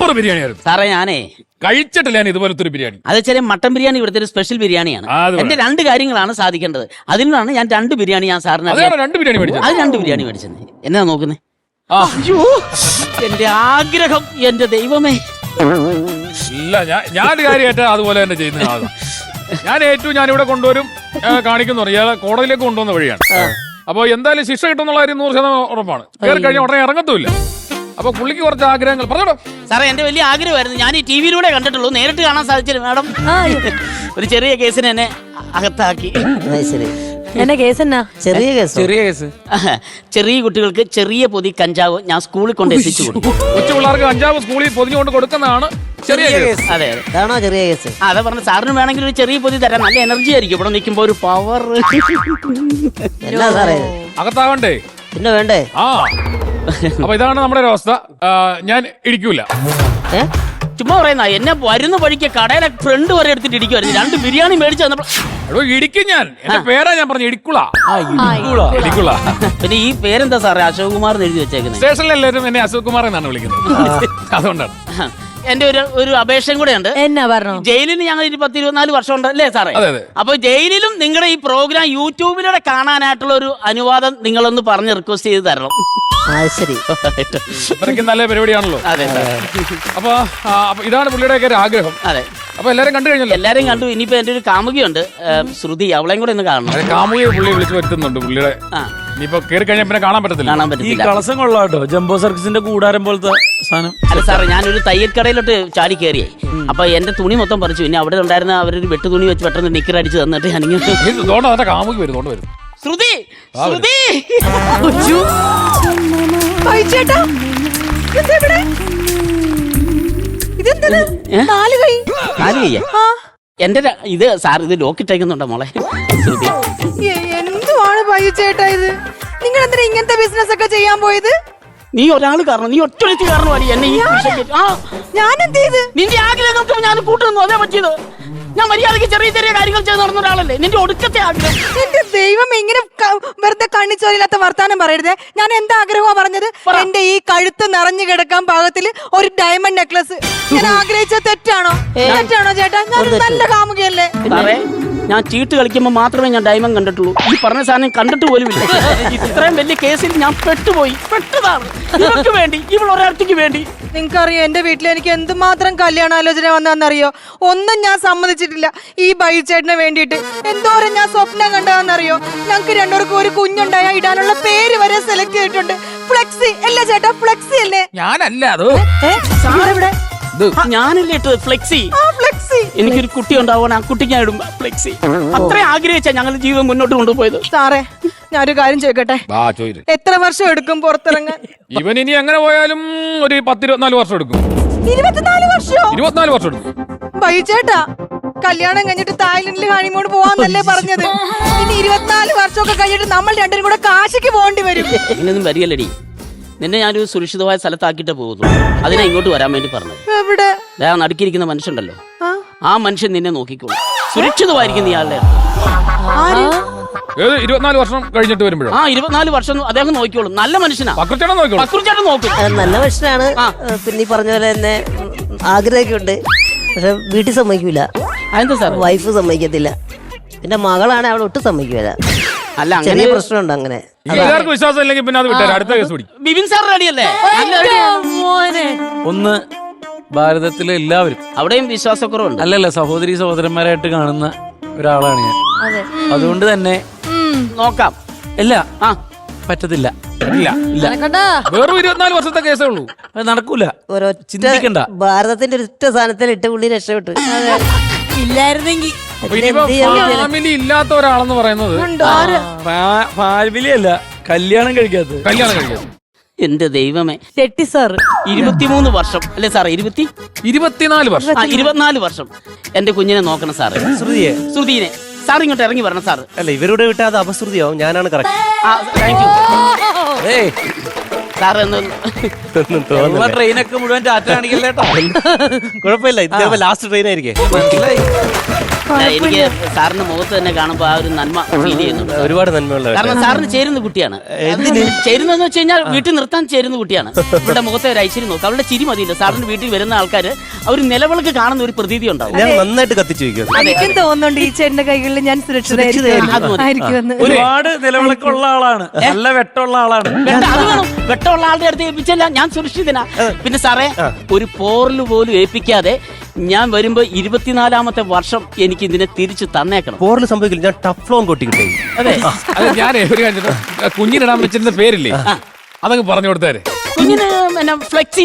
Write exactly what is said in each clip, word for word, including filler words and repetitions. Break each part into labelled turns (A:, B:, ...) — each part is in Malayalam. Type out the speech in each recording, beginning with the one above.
A: സൂപ്പർ ബിരിയാണിയായിരുന്നു
B: സാറേ. ഞാനേ
A: കഴിച്ചിട്ടില്ല ഞാൻ ഇതുപോലത്തെ ഒരു ബിരിയാണി.
B: അത് ചെറിയ മട്ടൻ ബിരിയാണി ഇവിടുത്തെ ഒരു സ്പെഷ്യൽ ബിരിയാണിയാണ്. എന്റെ രണ്ട് കാര്യങ്ങളാണ് സാധിക്കേണ്ടത്. അതിനാണ് ഞാൻ രണ്ട് ബിരിയാണി ഞാൻ സാറിന്
A: രണ്ട് ബിരിയാണി മേടിച്ചത്.
B: അത് രണ്ട് ബിരിയാണി മേടിച്ചത്. എന്നാ നോക്കുന്നേ? അയ്യോ, എന്റെ ആഗ്രഹം, എന്റെ ദൈവമേ.
A: ഇല്ല, ഞാൻ ഞാൻ കാര്യമായിട്ട് അതുപോലെ തന്നെ ചെയ്യുന്ന ആളാണ്. ഞാൻ ഏറ്റവും ഞാനിവിടെ കൊണ്ടുവരും, കാണിക്കുന്നു. ഇയാളെ കോടതിയിലേക്ക് കൊണ്ടുവന്ന വഴിയാണ്. അപ്പൊ എന്തായാലും ശിക്ഷ കിട്ടുന്നുള്ള കാര്യം നൂറ് ശതമാനം ഉറപ്പാണ്. കയറി കഴിഞ്ഞാൽ ഉടനെ ഇറങ്ങത്തുമില്ല. അപ്പൊ പുള്ളിക്ക് കുറച്ച് ആഗ്രഹങ്ങൾ പറഞ്ഞോ. സാറേ,
B: എന്റെ വലിയ ആഗ്രഹമായിരുന്നു. ഞാൻ ഈ ടി വിയിലൂടെ കണ്ടിട്ടുള്ളൂ, നേരിട്ട് കാണാൻ സാധിച്ചില്ല മാഡം. ഒരു ചെറിയ കേസിന് എന്നെ അകത്താക്കി.
C: എന്നെ കേസ് എന്നാ?
B: ചെറിയ കേസ്. ചെറിയ കേസ് ചെറിയ കുട്ടികൾക്ക് ചെറിയ പൊതി കഞ്ചാവ് ഞാൻ സ്കൂളിൽ കൊണ്ട് എത്തിച്ചു കൊടുക്കും.
A: കൊച്ചു പിള്ളേർക്ക് കഞ്ചാവ് സ്കൂളിൽ പൊതിഞ്ഞുകൊണ്ട് കൊടുക്കുന്നതാണ് ചെറിയ കേസ്.
B: അതെ, അതാണോ ചെറിയ കേസ്? അതെ പറഞ്ഞ സാറിന് വേണമെങ്കിൽ ഒരു ചെറിയ പൊതി തരാം. നല്ല എനർജി ആയിരിക്കും ഇവിടെ നിൽക്കുമ്പോ, ഒരു പവർ.
A: അകത്താവണ്ടേ?
B: പിന്നെ വേണ്ടേ?
A: ആ, അപ്പൊ ഇതാണ് നമ്മുടെ ഒരു അവസ്ഥ. ഞാൻ ഇടിക്കൂല.
B: ചുമ്മാ പറയുന്ന എന്നെ വരുന്ന വഴിക്ക് കടയിലെ ഫ്രണ്ട് വരെ എടുത്തിട്ട് ഇടിക്കുമായിരുന്നു. രണ്ട് ബിരിയാണി മേടിച്ചു തന്നപ്പോ
A: ഇടിക്കും ഞാൻ. എന്റെ പേരാ ഞാൻ പറഞ്ഞു, ഇടിക്കുള. ഇടിക്കുള.
B: പിന്നെ ഈ പേരെന്താ സാറേ? അശോക് കുമാർ എഴുതി വെച്ചേക്കുന്നത്.
A: സ്റ്റേഷനിൽ എല്ലാവരും എന്നെ അശോക് കുമാർ എന്നാണ് വിളിക്കുന്നത്. അതുകൊണ്ടാണ്.
B: എന്റെ ഒരു ഒരു അപേക്ഷയും കൂടെ ഉണ്ട്.
C: എന്നാ പറഞ്ഞു?
B: ജയിലിന് ഞങ്ങൾ പത്ത് ഇരുപത്തിനാല് വർഷം ഉണ്ട് അല്ലേ സാറേ? അപ്പൊ ജയിലിലും നിങ്ങളുടെ ഈ പ്രോഗ്രാം യൂട്യൂബിലൂടെ കാണാനായിട്ടുള്ള ഒരു അനുവാദം നിങ്ങളൊന്ന് പറഞ്ഞ് റിക്വസ്റ്റ് ചെയ്ത് തരണം.
C: ശരി,
A: ഇത്രയ്ക്ക് നല്ല പരിപാടിയാണല്ലോ.
B: അതെ.
A: അപ്പൊ ഇതാണ് പുള്ളിയുടെ ആഗ്രഹം.
B: അതെ.
A: അപ്പൊ എല്ലാരും കണ്ടു കഴിഞ്ഞല്ലോ?
B: എല്ലാരും കണ്ടു. ഇനിയിപ്പോ എന്റെ ഒരു കാമുകിയുണ്ട്, ശ്രുതി. അവളെയും കൂടെ ഒന്ന് കാണണം.
A: കാമുകിയെ പുള്ളി വിളിച്ചു വരുത്തുന്നുണ്ട് പുള്ളിയുടെ. ഇനിയിപ്പോ കയറി കഴിഞ്ഞാൽ പിന്നെ കാണാൻ പറ്റത്തില്ല.
B: കാണാൻ
D: ഈ
B: പറ്റത്തില്ല.
D: കളസം കൊള്ളാട്ടോ, ജംബോ സർക്കസിന്റെ കൂടാരം പോലത്തെ സാധനം.
B: അല്ല സാറേ, ഞാനൊരു തയ്യൽ കടയിലോട്ട് ചാടി കയറിയായി. അപ്പൊ എന്റെ തുണി മൊത്തം പറിച്ചു. പിന്നെ അവിടെ ഉണ്ടായിരുന്ന അവരൊരു വെട്ടു തുണി വെച്ച് പെട്ടെന്ന് നിക്കർ അടിച്ച് തന്നിട്ട് ഞാനിങ്ങനെ
A: കാമുകി വരും. വരും
B: ശ്രുതി, ശ്രുതി. എന്റെ ഇത് സാർ ഇത് ലോക്കിട്ടേക്കുന്നുണ്ടോ മോളെ? ശ്രുതി,
C: എന്തുവാണ് ബൈജു ചേട്ടാ ഇത്? നിങ്ങൾ എന്തിനാ ഇങ്ങനത്തെ ബിസിനസ് ഒക്കെ ചെയ്യാൻ പോയത്?
B: നീ ഒരാൾ കാരണം, നീ ഒറ്റ കാരണമാണ് എന്നെ ഈ
C: ഞാൻ എന്ത് ചെയ്ത്?
B: നിന്റെ ആഗ്രഹം ഞാൻ കൂട്ടുന്നു. അതേ പറ്റിയത്. ഞാൻ മര്യാദയ്ക്ക് ചെറിയ ചെറിയ കാര്യങ്ങൾ ചെയ്ത് നടന്ന ഒരാളല്ലേ. നിന്റെ ഒടുക്കത്തെ ആഗ്രഹം.
C: എന്റെ ദൈവം, ഇങ്ങനെ വെറുതെ കണ്ണിച്ചോരില്ലാത്ത വർത്താനം പറയരുതേ. ഞാൻ എന്താ ആഗ്രഹമാ പറഞ്ഞത്? എന്റെ ഈ കഴുത്ത് നിറഞ്ഞു കിടക്കാൻ പാകത്തില് ഒരു ഡയമണ്ട് നെക്ലസ് ഞാൻ ആഗ്രഹിച്ച തെറ്റാണോ? തെറ്റാണോ ചേട്ടാ? ഞാൻ നല്ല കാമുകയല്ലേ?
B: ഞാൻ ചീട്ട് കളിക്കുമ്പോൾ മാത്രമേ ഞാൻ ഡയമണ്ട് കണ്ടിട്ടുള്ളൂ. ഈ പറഞ്ഞ സാധനം കണ്ടിട്ട് പോലും ഇല്ല. ഇത്രയും വലിയ കേസിൽ ഞാൻ പെട്ടുപോയി. പെട്ടതാണ് ഇവർക്ക് വേണ്ടി, ഇവൾ ഒരാൾക്ക് വേണ്ടി.
C: നിങ്ങൾക്കറിയോ എന്റെ വീട്ടിൽ എനിക്ക് എന്തുമാത്രം കല്യാണാലോചന വന്നതെന്നറിയോ? ഒന്നും ഞാൻ സമ്മതിച്ചിട്ടില്ല. ഈ ബൈജു ചേട്ടന് വേണ്ടിയിട്ട് എന്തോരം ഞാൻ സ്വപ്നം കണ്ടതെന്നറിയോ? ഞങ്ങൾക്ക് രണ്ടുപേർക്കും ഒരു കുഞ്ഞുണ്ടായ ഇടാനുള്ള പേര് വരെ സെലക്ട് ചെയ്തിട്ടുണ്ട്. ഫ്ലെക്സി അല്ലേ ചേട്ടാ? ഫ്ലെക്സി അല്ലേ?
A: ഞാനല്ല അത്.
C: ഇവിടെ
B: ഞാനല്ലേ ഇട്ടത് ഫ്ലെക്സി. എനിക്കൊരു കുട്ടി ഉണ്ടാവാൻ ആ കുട്ടിക്ക് ഞാൻ ഇടും ഫ്ലെക്സി. അത്രയും ആഗ്രഹിച്ചാ ഞങ്ങൾ ജീവിതം മുന്നോട്ട് കൊണ്ടുപോയത്.
C: സാറേ, ഞാനൊരു കാര്യം ചോദിക്കട്ടെ? എത്ര വർഷം എടുക്കും പുറത്തിറങ്ങാൻ?
A: ഇവൻ ഇനി എങ്ങനെ പോയാലും ഒരു പത്തിരുപത്തിനാല് വർഷം എടുക്കും.
C: ഇരുപത്തിനാല് വർഷം?
A: ഇരുപത്തിനാല് വർഷം എടുക്കും.
C: ബൈജു ചേട്ടാ, കല്യാണം കഴിഞ്ഞിട്ട് തായ്ലൻഡിൽ ഹണിമൂൺ പോവാന്നല്ലേ പറഞ്ഞത്? ഇനി ഇരുപത്തിനാല് വർഷമൊക്കെ കഴിഞ്ഞിട്ട് നമ്മൾ രണ്ടും കൂടെ കാശിക്ക് പോകേണ്ടി വരും.
B: ഇങ്ങനൊന്നും വരികയല്ലടി. നിന്നെ ഞാനൊരു സുരക്ഷിതമായ സ്ഥലത്താക്കിയിട്ട് പോകുന്നു. അതിനെ ഇങ്ങോട്ട് വരാൻ വേണ്ടി പറഞ്ഞത്.
C: എവിടെ?
B: നടുക്കിയിരിക്കുന്ന മനുഷ്യണ്ടല്ലോ, ആ മനുഷ്യൻ നിന്നെ നോക്കിക്കോളൂ. സുരക്ഷിതമായിരിക്കും ഇയാളുടെ.
A: ഇരുപത്തിനാല് വർഷം കഴിഞ്ഞിട്ട് വരുമ്പോഴോ?
B: ആ, ഇരുപത്തിനാല് വർഷം അദ്ദേഹം നോക്കിക്കോളും. നല്ല മനുഷ്യനാ.
A: പക്രുച്ചേട്ടൻ
B: നോക്കും.
E: നല്ല മനുഷ്യനാണ്. പിന്നെ ഈ പറഞ്ഞ പോലെ തന്നെ ആഗ്രഹമൊക്കെ പക്ഷെ വീട്ടിൽ സമ്മതിക്കൂല.
B: അതെന്താ സാർ?
E: വൈഫ് സമ്മതിക്കത്തില്ല. പിന്നെ മകളാണ് അവൾ ഒട്ടും സമ്മതിക്കൂല.
B: അല്ല,
E: ചെറിയ പ്രശ്നമുണ്ട്. അങ്ങനെ
A: വിശ്വാസം ഇല്ലെങ്കിൽ പിന്നെ അത് വിട്ടാൽ അടുത്ത കേസ് പിടിക്കും.
B: ബിബിൻ സാർ റെഡിയല്ലേ?
D: ഒന്ന് ഭാരതത്തിലെ എല്ലാവരും
B: അവിടെയും വിശ്വാസക്കുറവുണ്ട്.
D: അല്ലല്ല, സഹോദരി സഹോദരന്മാരായിട്ട് കാണുന്ന ഒരാളാണ് ഞാൻ. അതുകൊണ്ട് തന്നെ
B: നോക്കാം.
D: ഇല്ല, ആ പറ്റത്തില്ല. ഇല്ല ഇല്ല,
A: വെറും ഇരുപത്തിനാല് വർഷത്തെ കേസേ ഉള്ളൂ.
D: അത് നടക്കൂല.
E: ചിന്തിക്കണ്ട. ഭാരതത്തിന്റെ ഒരു ഒറ്റ സ്ഥാനത്തിൽ ഇട്ട് പുള്ളി രക്ഷപ്പെട്ടു.
C: ഇല്ലായിരുന്നെങ്കിൽ
A: ഫാമിലി ഇല്ലാത്ത ഒരാളെന്ന് പറയുന്നത്
D: ഫാമിലി അല്ല, കല്യാണം കഴിക്കാത്ത.
A: കല്യാണം കഴിക്കാത്ത
B: എന്റെ ദൈവമേ.
C: തെറ്റി സാർ.
B: ഇരുപത്തിമൂന്ന് വർഷം അല്ലേ സാറേ? ഇരുപത്തി
A: ഇരുപത്തിനാല് വർഷം.
B: ആ, ഇരുപത്തിനാല് വർഷം എന്റെ കുഞ്ഞിനെ നോക്കണം സാറ്.
E: ശ്രുതിയെ
B: ശ്രുതിനെ സാർ ഇങ്ങോട്ട് ഇറങ്ങി വരണം സാർ.
E: അല്ല, ഇവരുടെ വിട്ടാ അത് അപശ്രുതിയാവും. ഞാനാണ് കറക്റ്റ്.
B: സാറ്
D: ട്രെയിനൊക്കെ മുഴുവൻ ടാറ്റ കാണിക്കല്ലേട്ടോ.
E: കുഴപ്പമില്ല, ഇതേപോലെ ലാസ്റ്റ് ട്രെയിൻ ആയിരിക്കും. മനസ്സിലായി.
B: എനിക്ക് സാറിന്റെ മുഖത്ത് തന്നെ കാണുമ്പോ ആ ഒരു നന്മ ഫീൽ ചെയ്യുന്നുണ്ട്.
D: ഒരുപാട് നന്മയുള്ള
B: കാരണം സാറിന് ചേരുന്ന കുട്ടിയാണ്. ചേരുന്നതെന്ന് വെച്ച് കഴിഞ്ഞാൽ വീട്ടിൽ നിർത്താൻ ചേരുന്ന കുട്ടിയാണ്. ഇവിടെ മുഖത്തെ ഒരു ഐശ്വര്യം നോക്കും. അവളുടെ ചിരി മതിയില്ല. സാറിന്റെ വീട്ടിൽ വരുന്ന ആൾക്കാര് അവർ നിലവിളക്ക് കാണുന്ന ഒരു പ്രതീതി ഉണ്ടാവും.
D: ഞാൻ നന്നായിട്ട് കത്തിച്ചു വയ്ക്കും.
C: എനിക്കും തോന്നുന്നുണ്ട് ഈ ചേട്ടന്റെ കൈകളിൽ ഞാൻ സുരക്ഷിതമായിരിക്കുമെന്ന്.
F: ഒരുപാട് നിലവിളക്കുള്ള ആളാണ്, നല്ല വെട്ടമുള്ള ആളാണ്.
B: അത് വേണം. വെട്ടമുള്ള ആളുടെ അടുത്ത് ഏൽപ്പിച്ചല്ല ഞാൻ സുരക്ഷിതനാ. പിന്നെ സാറേ, ഒരു പോറല് പോലും ഏൽപ്പിക്കാതെ ഞാൻ വരുമ്പോ ഇരുപത്തിനാലാമത്തെ വർഷം എനിക്ക് ഇതിനെ തിരിച്ചു തന്നേക്കണം.
D: പോറിൽ സംഭവിക്കില്ല, ഞാൻ ടഫ് ലോൺ കൊട്ടി കിട്ടേ.
B: അതെ,
A: അത് ഞാൻ ഒരു കാര്യം കുഞ്ഞിനിടാൻ വെച്ചിരുന്ന പേരില്ലേ, അതങ്ങ് പറഞ്ഞു കൊടുത്തേരെ.
B: കുഞ്ഞിന് പിന്നെ ഫ്ലെക്സി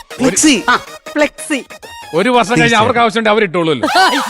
B: ആ
C: ഫ്ലെക്സി
A: ഒരു വർഷം കഴിഞ്ഞ് അവർക്ക് ആവശ്യമുണ്ട് അവരിട്ടോളൂല്ലോ.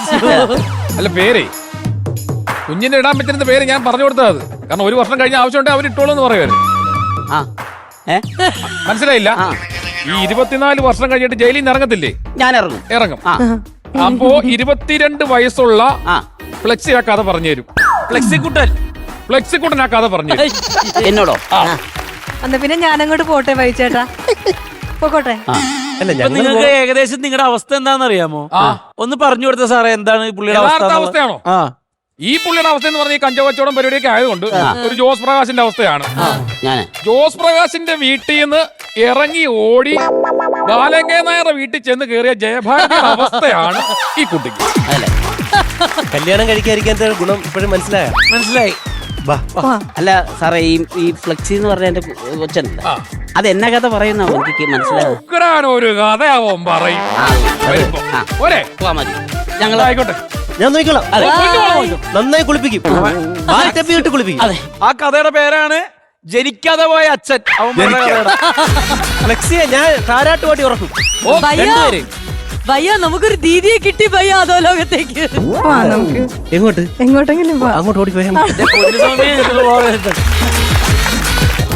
A: അല്ല പേരേ, കുഞ്ഞിന് ഇടാൻ പറ്റുന്ന പേര് ഞാൻ പറഞ്ഞു കൊടുത്തത് അത്. കാരണം ഒരു വർഷം കഴിഞ്ഞ ആവശ്യമുണ്ട് അവരിട്ടോളൂ എന്ന് പറയുമായിരുന്നു.
B: ആ ഏ
A: മനസ്സിലായില്ല? ഈ ഇരുപത്തിനാല് വർഷം കഴിഞ്ഞിട്ട് ജയിലിൽ നിന്ന് ഇറങ്ങത്തില്ലേ?
B: ഞാൻ ഇറങ്ങും
A: ഇറങ്ങും.
B: ആ
A: അപ്പോ ഇരുപത്തിരണ്ട് വയസ്സുള്ള
B: ആ
A: ഫ്ലെക്സി ആ കഥ പറഞ്ഞു തരും.
F: ഫ്ലെക്സിക്കുട്ടൻ
A: ഫ്ലെക്സിക്കുട്ടൻ ആ കഥ പറഞ്ഞു തരും.
B: എന്നോടോ?
C: എന്നാ പിന്നെ ഞാനങ്ങോട്ട് പോട്ടെ ബൈച്ചേട്ടാ, പോട്ടെ.
D: അല്ല
F: ഇപ്പൊ
D: ഞങ്ങൾ
F: നിങ്ങൾക്ക് ഏകദേശം നിങ്ങളുടെ അവസ്ഥ എന്താണെന്ന് അറിയാമോ?
A: ആ.
F: ഒന്ന് പറഞ്ഞു കൊടുത്ത സാറേ, എന്താണ് ഈ പുള്ളിയുടെ
A: യഥാർത്ഥ
F: അവസ്ഥ?
A: അവസ്ഥയാണോ?
F: ആ
A: ഈ പുള്ളിയുടെ അവസ്ഥ എന്ന് പറഞ്ഞാൽ ഈ കഞ്ചവച്ചവടം പരിപാടിയൊക്കെ ആയതുകൊണ്ട് ഒരു ജോസ് പ്രകാശിന്റെ അവസ്ഥയാണ്.
B: ഞാന്
A: ജോസ് പ്രകാശിന്റെ വീട്ടിൽ നിന്ന് ഇറങ്ങി ഓടി ബാലങ്കേ നായരുടെ വീട്ടിൽ ചെന്ന് കയറിയ ജയഭാരതിയുടെ അവസ്ഥയാണ് ഈ കുട്ടിക്ക്.
B: അതല്ലേ?
D: കല്യാണം കഴിക്കാതിരിക്കാത്ത ഗുണം ഇപ്പോഴും മനസ്സിലായ?
F: മനസ്സിലായി.
D: ബാ
B: അല്ല സാറേ, ഈ ഈ ഫ്ലെക്സി എന്ന് പറഞ്ഞ എന്റെ കൊച്ചനല്ല, അത് എന്നാ കഥ പറയുന്ന എനിക്ക് മനസ്സിലാവും.
A: ഉഗ്രാനൊരു കഥയാവോ പറയും. വരുമ്പോ. പോരെ?
B: പോവാ മതി. ഞങ്ങൾ
A: ആയിക്കോട്ടെ.
D: ഞാൻ നോക്കിക്കോളാം.
B: അതെ.
D: നന്നായി കുളിപ്പിക്കും, വാഴത്തപ്പി ഇട്ട് കുളിപ്പിക്കും.
B: അതെ,
F: ആ കഥയുടെ പേരാണ് ജനിക്കാതെ പോയ അച്ഛൻ. അവൻ പറഞ്ഞ കഥയുടെ.
D: ഫ്ലെക്സിയെ ഞാൻ താരാട്ട് പാട്ടി ഉറക്കും.
A: ഓ,
E: ഭയ്യ
A: രണ്ടുപേര്.
E: ഭയ്യ നമുക്കൊരു ദീദിയെ കിട്ടി ഭയ്യ അതോ ലോകത്തേക്ക്.
C: നമുക്ക്
D: എങ്ങോട്ട്?
C: എങ്ങോട്ടെങ്കിലും പോവാം.
D: അങ്ങോട്ട് ഓടിപ്പോയാൽ
F: പൊതുസമയം ഇതില് പോകരുത്.